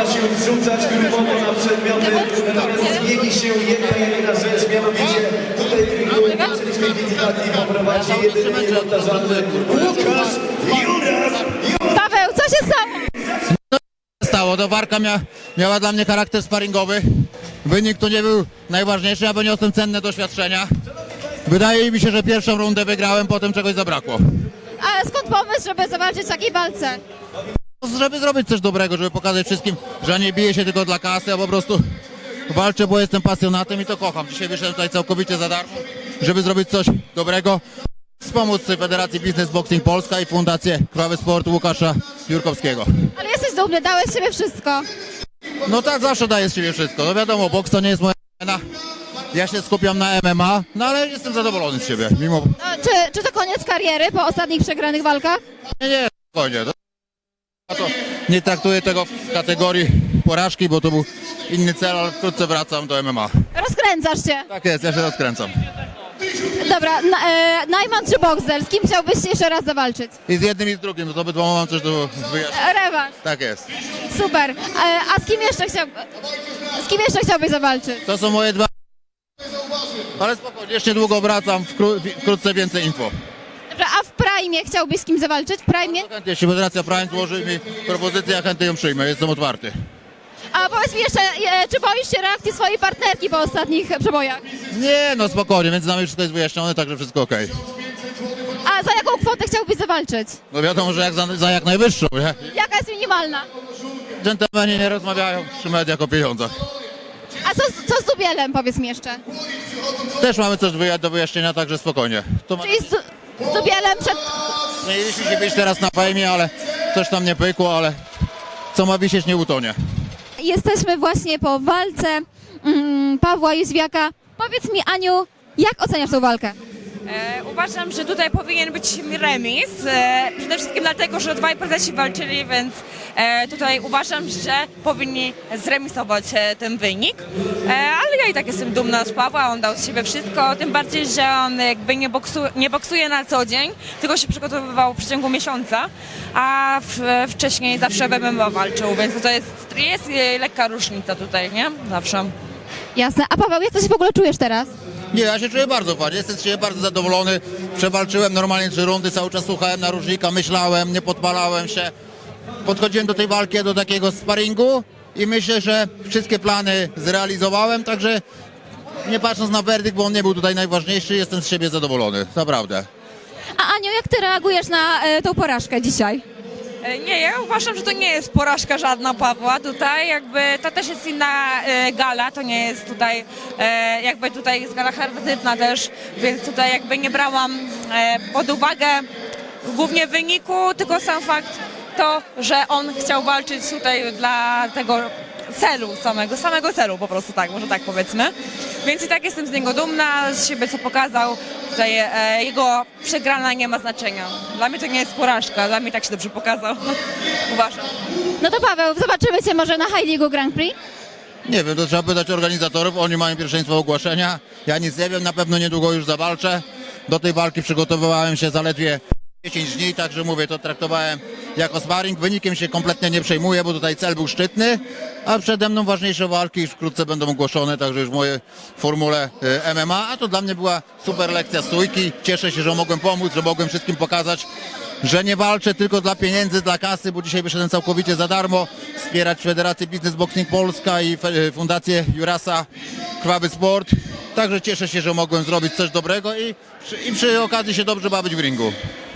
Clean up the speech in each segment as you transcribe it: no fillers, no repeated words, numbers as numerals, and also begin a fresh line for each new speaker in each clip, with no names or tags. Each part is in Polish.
można się zrzucać grupowo na przedmioty, natomiast zmieni się jedyna rzecz, mianowicie tutaj w ringu zaczęliśmy licytacji poprowadzi jedyny niepowtarzalny Łukasz Juras.
Paweł, co się stało?
To walka miała dla mnie charakter sparingowy. Wynik to nie był najważniejszy, a wyniosłem cenne doświadczenia. Wydaje mi się, że pierwszą rundę wygrałem, potem czegoś zabrakło.
A skąd pomysł, żeby zawalczyć w takiej walce?
Żeby zrobić coś dobrego, żeby pokazać wszystkim, że nie biję się tylko dla kasy, a po prostu walczę, bo jestem pasjonatem i to kocham. Dzisiaj wyszedłem tutaj całkowicie za darmo, żeby zrobić coś dobrego. Wspomóc Federacji Business Boxing Polska i Fundację Krwawy Sport Łukasza Jurkowskiego.
Ale jesteś dumny, dałeś z siebie wszystko.
No tak, zawsze daję z siebie wszystko. No wiadomo, boks to nie jest moja arena. Ja się skupiam na MMA, no ale jestem zadowolony z siebie, mimo...
No, czy to koniec kariery po ostatnich przegranych walkach?
Nie, spokojnie. Ja to nie traktuję tego w kategorii porażki, bo to był inny cel, ale wkrótce wracam do MMA.
Rozkręcasz się.
Tak jest, ja się rozkręcam.
Dobra, Najman czy Boxdel? Z kim chciałbyś jeszcze raz zawalczyć?
I z jednym i z drugim, no to obydwoma mam coś do wyjaśnienia.
Rewanż.
Tak jest.
Super. A z kim jeszcze chciałbyś zawalczyć?
To są moje dwa... Ale spokojnie, jeszcze niedługo wracam, wkrótce więcej info.
Dobrze, a w Prime chciałbyś z kim zawalczyć? W Prime?
Chętnie, jeśli Federacja Prime złoży mi propozycję, ja chętnie ją przyjmę, jestem otwarty.
A powiedz mi jeszcze, czy boisz się reakcji swojej partnerki po ostatnich przebojach?
Nie, no spokojnie, między nami wszystko jest wyjaśnione, także wszystko okej.
A za jaką kwotę chciałbyś zawalczyć?
No wiadomo, że jak za jak najwyższą, nie?
Jaka jest minimalna?
Dżentelmeni nie rozmawiają przy mediach o pieniądzach.
A co z Dubielem, powiedz mi jeszcze?
Też mamy coś do wyjaśnienia, także spokojnie.
Czyli z Dubielem przed...
Mieliśmy się być teraz na fejmie, ale coś tam nie pykło, ale co ma wisieć, nie utonie.
Jesteśmy właśnie po walce Pawła Józwiaka. Powiedz mi, Aniu, jak oceniasz tą walkę?
Uważam, że tutaj powinien być remis. Przede wszystkim dlatego, że dwaj prezesi walczyli, więc tutaj uważam, że powinni zremisować ten wynik. Ale ja i tak jestem dumna z Pawła, on dał z siebie wszystko, tym bardziej, że on jakby nie boksuje na co dzień, tylko się przygotowywał w przeciągu miesiąca, a wcześniej zawsze w MMA walczył, więc to jest lekka różnica tutaj, nie? Zawsze.
Jasne. A Paweł, jak ty się w ogóle czujesz teraz?
Nie, ja się czuję bardzo fajnie, jestem z siebie bardzo zadowolony. Przewalczyłem normalnie 3 rundy, cały czas słuchałem narożnika, myślałem, nie podpalałem się. Podchodziłem do tej walki, do takiego sparingu i myślę, że wszystkie plany zrealizowałem, także nie patrząc na werdykt, bo on nie był tutaj najważniejszy, jestem z siebie zadowolony, naprawdę.
A Aniu, jak ty reagujesz na tą porażkę dzisiaj?
Nie, ja uważam, że to nie jest porażka żadna Pawła tutaj, jakby to też jest inna gala, to nie jest tutaj, jakby tutaj jest gala charytatywna też, więc tutaj jakby nie brałam pod uwagę głównie wyniku, tylko sam fakt to, że on chciał walczyć tutaj dla tego celu samego celu po prostu, tak, może tak powiedzmy. Więc i tak jestem z niego dumna, z siebie co pokazał. Tutaj jego przegrana nie ma znaczenia. Dla mnie to nie jest porażka, dla mnie tak się dobrze pokazał. Uważam.
No to Paweł, zobaczymy cię może na High League Grand Prix.
Nie wiem, to trzeba pytać organizatorów, oni mają pierwszeństwo ogłoszenia. Ja nic nie wiem, na pewno niedługo już zawalczę. Do tej walki przygotowywałem się zaledwie 10 dni, także mówię, to traktowałem jako sparring. Wynikiem się kompletnie nie przejmuję, bo tutaj cel był szczytny, a przede mną ważniejsze walki już wkrótce będą ogłoszone, także już w mojej formule MMA, a to dla mnie była super lekcja stójki. Cieszę się, że mogłem pomóc, że mogłem wszystkim pokazać, że nie walczę tylko dla pieniędzy, dla kasy, bo dzisiaj wyszedłem całkowicie za darmo, wspierać Federację Business Boxing Polska i Fundację Jurasa Krwawy Sport. Także cieszę się, że mogłem zrobić coś dobrego i przy okazji się dobrze bawić w ringu.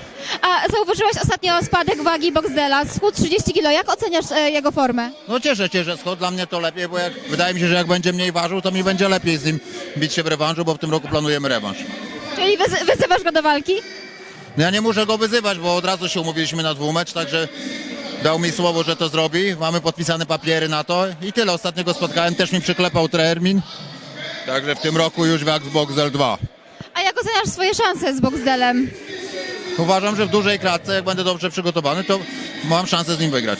A zauważyłaś ostatnio spadek wagi Boxdela, schudł 30 kg. Jak oceniasz jego formę?
No cieszę się, że schod dla mnie to lepiej, bo wydaje mi się, że jak będzie mniej ważył, to mi będzie lepiej z nim bić się w rewanżu, bo w tym roku planujemy rewanż.
Czyli wyzywasz go do walki?
No ja nie muszę go wyzywać, bo od razu się umówiliśmy na dwumecz, także dał mi słowo, że to zrobi. Mamy podpisane papiery na to i tyle. Ostatnio go spotkałem, też mi przyklepał termin. Także w tym roku już walk z Boxdel 2.
A jak oceniasz swoje szanse z Boxdelem?
Uważam, że w dużej klatce, jak będę dobrze przygotowany, to mam szansę z nim wygrać.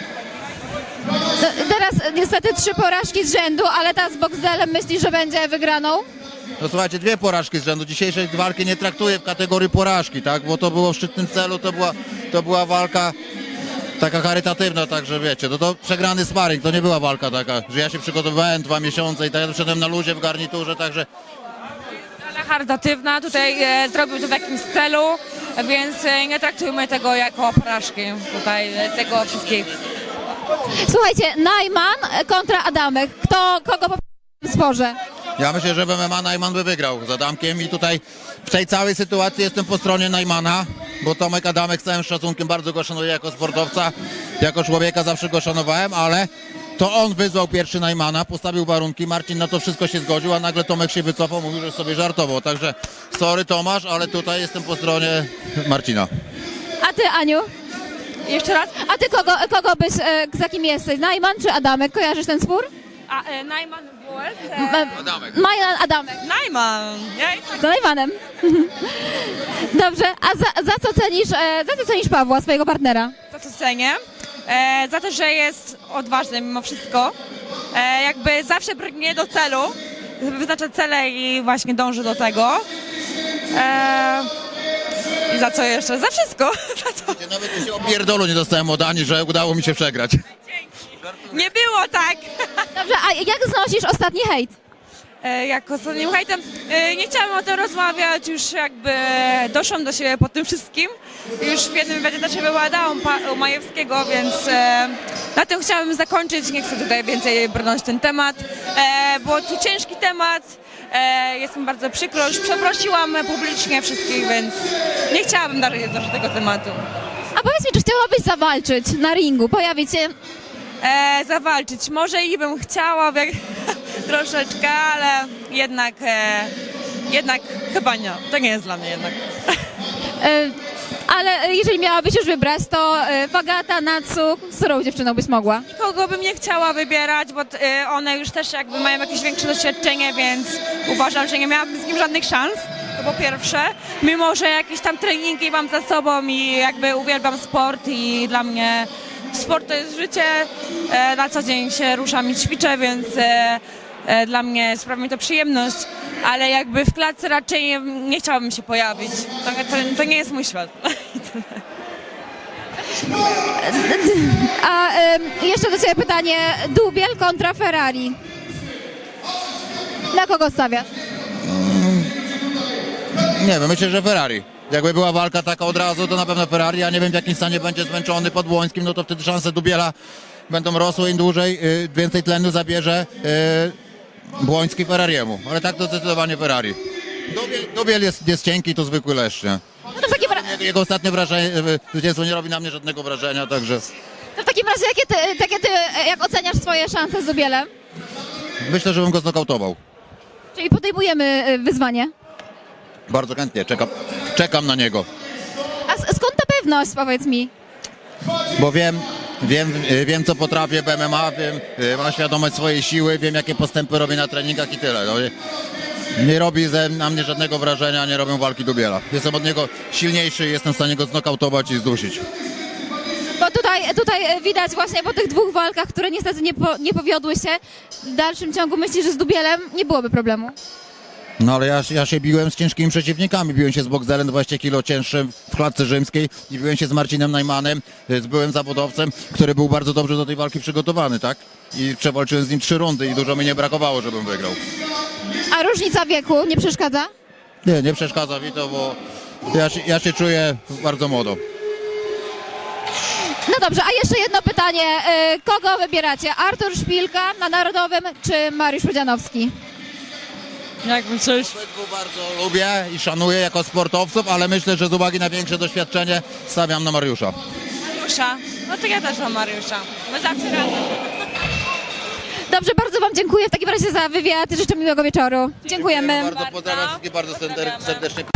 No, teraz niestety 3 porażki z rzędu, ale ta z Boxdelem myślisz, że będzie wygraną?
No słuchajcie, 2 porażki z rzędu. Dzisiejszej walki nie traktuję w kategorii porażki, tak? Bo to było w szczytnym celu, to była walka taka charytatywna, także wiecie, to przegrany sparring, to nie była walka taka, że ja się przygotowywałem 2 miesiące i tak ja wszedłem na luzie w garniturze, także
Gala charytatywna, tutaj zrobił to w jakimś celu, więc nie traktujmy tego jako porażki tutaj tego wszystkiego.
Słuchajcie, Najman kontra Adamek. Kogo po w sporze?
ja myślę, że w MMA Najman by wygrał z Adamkiem i tutaj w tej całej sytuacji jestem po stronie Najmana, bo Tomek Adamek z całym szacunkiem bardzo go szanuję jako sportowca, jako człowieka zawsze go szanowałem, ale to on wyzwał pierwszy Najmana, postawił warunki, Marcin na to wszystko się zgodził, a nagle Tomek się wycofał, mówił, że sobie żartował, także sorry Tomasz, ale tutaj jestem po stronie Marcina.
A ty, Aniu?
Jeszcze raz?
A ty kogo byś, za kim jesteś? Najman czy Adamek? Kojarzysz ten spór?
A Najman Bułek?
Adamek.
Najman, Adamek.
Najman! Ja i tak
Z Najmanem. Dobrze, a za co cenisz Pawła, swojego partnera?
za to cenię. Za to, że jest odważny mimo wszystko. Jakby zawsze brnie do celu, wyznacza cele i właśnie dąży do tego. I za co jeszcze? Za wszystko. Za to.
Nawet się opierdolu nie dostałem od Ani, że udało mi się przegrać.
Nie było tak.
Dobrze, a jak znosisz ostatni hejt?
Jak ostatnim hejtem, nie chciałam o tym rozmawiać, już jakby doszłam do siebie po tym wszystkim. Już w jednym wywiadzie do siebie ładałam u Majewskiego, więc na tym chciałabym zakończyć. Nie chcę tutaj więcej brnąć ten temat. Było to ciężki temat, jest mi bardzo przykro, już przeprosiłam publicznie wszystkich, więc nie chciałabym dalej do tego tematu.
A powiedz mi, czy chciałabyś zawalczyć na ringu, pojawić się?
Zawalczyć. Może i bym chciała troszeczkę, ale jednak chyba nie. To nie jest dla mnie jednak.
Ale jeżeli miałabyś już wybrać, to Fagata, Natsu, z którą dziewczyną byś mogła?
Kogo bym nie chciała wybierać, bo one już też jakby mają jakieś większe doświadczenie, więc uważam, że nie miałabym z nim żadnych szans. To po pierwsze. Mimo, że jakieś tam treningi mam za sobą i jakby uwielbiam sport i dla mnie sport to jest życie. Na co dzień się ruszam i ćwiczę, więc dla mnie sprawia mi to przyjemność, ale jakby w klatce raczej nie chciałabym się pojawić. To nie jest mój świat.
A jeszcze do Ciebie pytanie, Dubiel kontra Ferrari. Na kogo stawiasz?
Nie wiem, myślę, że Ferrari. Jakby była walka taka od razu, to na pewno Ferrari. Ja nie wiem, w jakim stanie będzie zmęczony pod Błońskim, no to wtedy szanse Dubiela będą rosły im dłużej, więcej tlenu zabierze Błoński Ferrariemu. Ale tak to zdecydowanie Ferrari. Dubiel jest cienki, to zwykły leszcz, nie?
No to w takim,
Jego ostatnie wrażenie, zwycięstwo nie robi na mnie żadnego wrażenia, także
razie, jak oceniasz swoje szanse z Dubielem?
myślę, że bym go znokautował.
Czyli podejmujemy wyzwanie.
Bardzo chętnie, czekam na niego.
A skąd ta pewność, powiedz mi?
Bo wiem co potrafię w MMA, mam świadomość swojej siły, wiem jakie postępy robię na treningach i tyle. No, nie robi na mnie żadnego wrażenia, nie robią walki Dubiela. Jestem od niego silniejszy i jestem w stanie go znokautować i zdusić.
Bo tutaj widać właśnie po tych dwóch walkach, które niestety nie powiodły się, w dalszym ciągu myślisz, że z Dubielem nie byłoby problemu.
No ale ja się biłem z ciężkimi przeciwnikami, biłem się z Boxdelem 20 kg cięższym w klatce rzymskiej i biłem się z Marcinem Najmanem, z byłym zawodowcem, który był bardzo dobrze do tej walki przygotowany, tak? I przewalczyłem z nim 3 rundy i dużo mi nie brakowało, żebym wygrał.
A różnica wieku nie przeszkadza?
Nie przeszkadza mi to, bo ja się czuję bardzo młodo.
No dobrze, a jeszcze jedno pytanie. Kogo wybieracie? Artur Szpilka na Narodowym czy Mariusz Pudzianowski?
Jak myślisz?
Obydwu bardzo lubię i szanuję jako sportowców, ale myślę, że z uwagi na większe doświadczenie stawiam na Mariusza.
Mariusza? No to ja też mam Mariusza. My zawsze razem.
Dobrze, bardzo Wam dziękuję w takim razie za wywiad. Życzę miłego wieczoru. Dziękujemy.
Bardzo pozdrawiam wszystkich bardzo serdecznie.